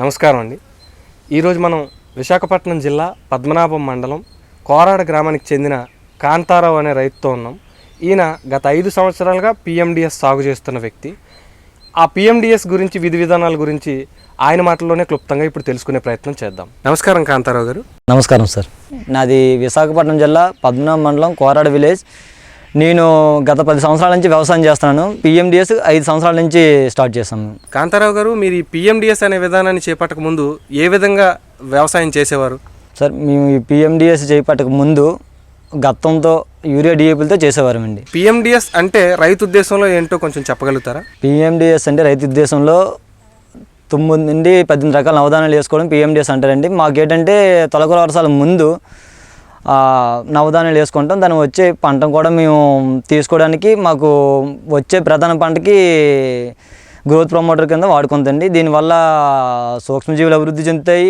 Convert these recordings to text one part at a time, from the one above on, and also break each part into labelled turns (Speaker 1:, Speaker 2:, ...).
Speaker 1: నమస్కారం అండి. ఈరోజు మనం విశాఖపట్నం జిల్లా పద్మనాభం మండలం కోరాడ గ్రామానికి చెందిన కాంతారావు అనే రైతుతో ఉన్నాం. ఈయన గత 5 సంవత్సరాలుగా పిఎండిఎస్ సాగు చేస్తున్న వ్యక్తి. ఆ పిఎండిఎస్ గురించి విధి విధానాల గురించి ఆయన మాటల్లోనే క్లుప్తంగా ఇప్పుడు తెలుసుకునే ప్రయత్నం చేద్దాం. నమస్కారం కాంతారావు గారు.
Speaker 2: నమస్కారం సార్. నాది విశాఖపట్నం జిల్లా పద్మనాభం మండలం కోరాడ విలేజ్. నేను గత 10 సంవత్సరాల నుంచి వ్యవసాయం చేస్తున్నాను. పిఎండిఎస్ 5 సంవత్సరాల నుంచి స్టార్ట్ చేశాను.
Speaker 1: కాంతారావు గారు, మీరు ఈ పిఎండిఎస్ అనే విధానాన్ని చేపట్టక ముందు ఏ విధంగా వ్యవసాయం చేసేవారు?
Speaker 2: సార్, మేము ఈ పిఎండిఎస్ చేపట్టక ముందు గత్తంతో యూరియా డిఏపీలతో చేసేవారమండి.
Speaker 1: పిఎండిఎస్ అంటే రైతు ఉద్దేశంలో ఏంటో కొంచెం చెప్పగలుగుతారా?
Speaker 2: పిఎండిఎస్ అంటే రైతు ఉద్దేశంలో 9 నుండి 18 రకాల నవధాన్యాలు వేసుకోవడం పిఎండిఎస్ అంటారండి. మాకేంటంటే తొలకల వర్షాల ముందు నవధాన్యాలు వేసుకుంటాం. దాన్ని వచ్చే పంట కూడా మేము తీసుకోవడానికి మాకు వచ్చే ప్రధాన పంటకి గ్రోత్ ప్రమోటర్ కింద వాడుకుంటుంది. దీనివల్ల సూక్ష్మజీవులు అభివృద్ధి చెందుతాయి,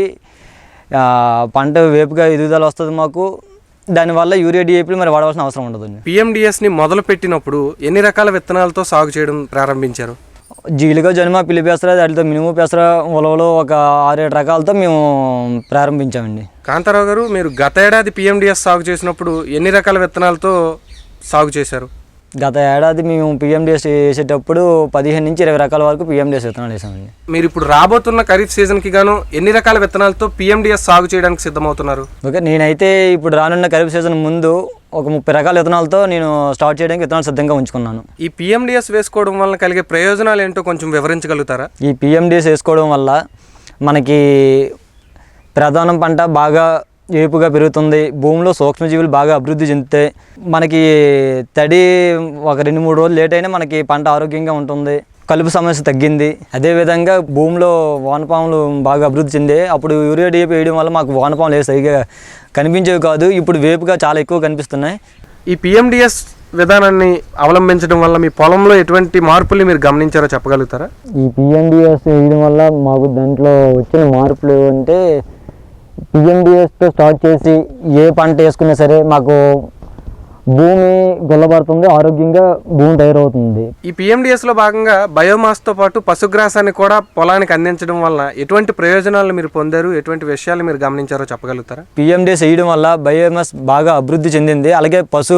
Speaker 2: పంట వేపుగా ఎదుగుదల వస్తుంది మాకు. దానివల్ల యూరియా డిఏపీలు మరి వాడవలసిన అవసరం ఉండదు.
Speaker 1: పిఎండిఎస్ని మొదలు పెట్టినప్పుడు ఎన్ని రకాల విత్తనాలతో సాగు చేయడం ప్రారంభించారు?
Speaker 2: జీలుగా, జనుమ, పిల్లి పెసర, వాటితో మినుము పెసర, ఉలవలు ఒక 6-7 రకాలతో మేము ప్రారంభించామండి.
Speaker 1: కాంతారావు గారు, మీరు గత ఏడాది పిఎండిఎస్ సాగు చేసినప్పుడు ఎన్ని రకాల విత్తనాలతో సాగు చేశారు?
Speaker 2: గత ఏడాది మేము పిఎండిఎస్ వేసేటప్పుడు 15 నుంచి 20 రకాల వరకు పిఎండిఎస్ విత్తనాలు వేసామండి.
Speaker 1: మీరు ఇప్పుడు రాబోతున్న ఖరీఫ్ సీజన్కి గాను ఎన్ని రకాల విత్తనాలతో పిఎండిఎస్ సాగు చేయడానికి సిద్ధమవుతున్నారు?
Speaker 2: ఓకే, నేనైతే ఇప్పుడు రానున్న ఖరీఫ్ సీజన్ ముందు ఒక 30 రకాల విత్తనాలతో నేను స్టార్ట్ చేయడానికి విత్తనాలు సిద్ధంగా ఉంచుకున్నాను.
Speaker 1: ఈ పిఎండిఎస్ వేసుకోవడం వల్ల కలిగే ప్రయోజనాలు ఏంటో కొంచెం వివరించగలుగుతారా?
Speaker 2: ఈ పిఎండిఎస్ వేసుకోవడం వల్ల మనకి ప్రధాన పంట బాగా ఏపుగా పెరుగుతుంది, భూమిలో సూక్ష్మజీవులు బాగా అభివృద్ధి చెందుతాయి, మనకి తడి ఒక 2-3 రోజులు లేట్ అయినా మనకి పంట ఆరోగ్యంగా ఉంటుంది, కలుపు సమస్య తగ్గింది. అదేవిధంగా భూమిలో వానపాములు బాగా అభివృద్ధి చెందే. అప్పుడు యూరియా డిఏపీ వేయడం వల్ల మాకు వానపాములు సరిగా కనిపించేవి కాదు, ఇప్పుడు వేపుగా చాలా ఎక్కువ కనిపిస్తున్నాయి.
Speaker 1: ఈ పిఎండిఎస్ విధానాన్ని అవలంబించడం వల్ల మీ పొలంలో ఎటువంటి మార్పులు మీరు గమనించారో చెప్పగలుగుతారా?
Speaker 2: ఈ పిఎండిఎస్ వేయడం వల్ల మాకు దాంట్లో వచ్చిన మార్పులు అంటే, పిఎండిఎస్తో స్టార్ట్ చేసి ఏ పంట వేసుకున్నా సరే మాకు భూమి గుల్లబడుతుంది, ఆరోగ్యంగా భూమి తయారవుతుంది.
Speaker 1: ఈ పిఎండిఎస్లో భాగంగా బయోమాస్తో పాటు పశుగ్రాసాన్ని కూడా పొలానికి అందించడం వల్ల ఎటువంటి ప్రయోజనాలు మీరు పొందారు, ఎటువంటి విషయాలు మీరు గమనించారో చెప్పగలుగుతారా?
Speaker 2: పిఎండిఎస్ వేయడం వల్ల బయోమాస్ బాగా అభివృద్ధి చెందింది. అలాగే పశు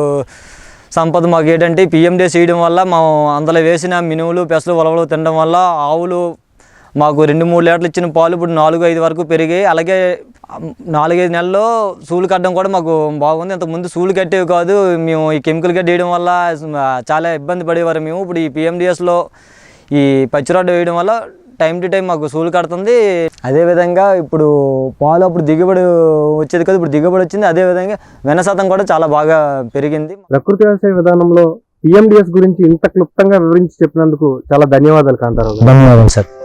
Speaker 2: సంపద మాకు ఏంటంటే పిఎండిఎస్ వేయడం వల్ల మా అందులో వేసిన మినువులు, పెసలు, ఉలవలు తినడం వల్ల ఆవులు మాకు 2-3 లీటర్లు ఇచ్చిన పాలు ఇప్పుడు 4-5 వరకు పెరిగాయి. అలాగే 4-5 నెలల్లో సూలు కట్టడం కూడా మాకు బాగుంది. ఇంతకుముందు సూలు కట్టేవి కాదు, మేము ఈ కెమికల్ గడ్డి వేయడం వల్ల చాలా ఇబ్బంది పడేవారు మేము. ఇప్పుడు ఈ పిఎండిఎస్లో ఈ పచ్చిరొడ్డు వేయడం వల్ల టైం టు టైం మాకు సూలు కడుతుంది. అదేవిధంగా ఇప్పుడు పాలు అప్పుడు దిగుబడి వచ్చేది కదా, ఇప్పుడు దిగుబడి వచ్చింది. అదేవిధంగా వెన్న శాతం కూడా చాలా బాగా పెరిగింది.
Speaker 1: ప్రకృతి వ్యవసాయ విధానంలో పిఎండిఎస్ గురించి ఇంత క్లుప్తంగా వివరించి చెప్పినందుకు చాలా ధన్యవాదాలు కాంతారావు.
Speaker 2: ధన్యవాదాలు సార్.